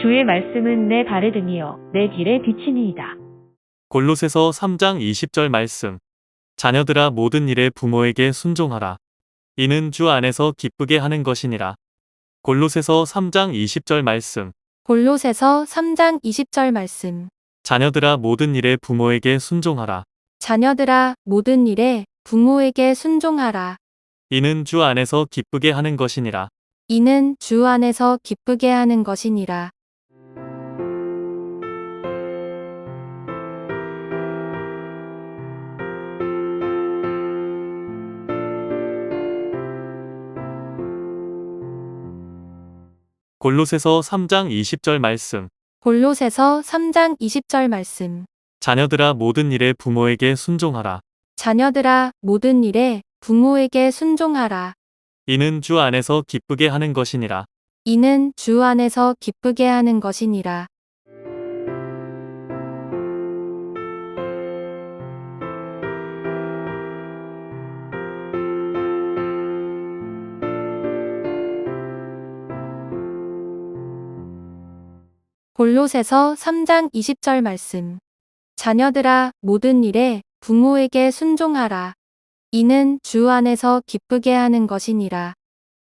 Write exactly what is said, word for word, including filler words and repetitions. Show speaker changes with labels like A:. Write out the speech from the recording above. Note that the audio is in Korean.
A: 주의 말씀은 내 발에 등이요 내 길에 비치니이다.
B: 골로새서 삼 장 이십 절 말씀. 자녀들아 모든 일에 부모에게 순종하라. 이는 주 안에서 기쁘게 하는 것이니라. 골로새서 삼 장 이십 절 말씀.
C: 골로새서 삼 장 이십 절 말씀.
B: 자녀들아 모든 일에 부모에게 순종하라.
C: 자녀들아 모든 일에 부모에게 순종하라.
B: 이는 주 안에서 기쁘게 하는 것이니라.
C: 이는 주 안에서 기쁘게 하는 것이니라.
B: 골로새서 삼 장 이십 절 말씀.
C: 골로새서 삼 장 이십 절 말씀.
B: 자녀들아 모든 일에 부모에게 순종하라.
C: 자녀들아 모든 일에 부모에게 순종하라.
B: 이는 주 안에서 기쁘게 하는 것이니라.
C: 이는 주 안에서 기쁘게 하는 것이니라. 골로새서 삼 장 이십 절 말씀. 자녀들아 모든 일에 부모에게 순종하라. 이는 주 안에서 기쁘게 하는 것이니라.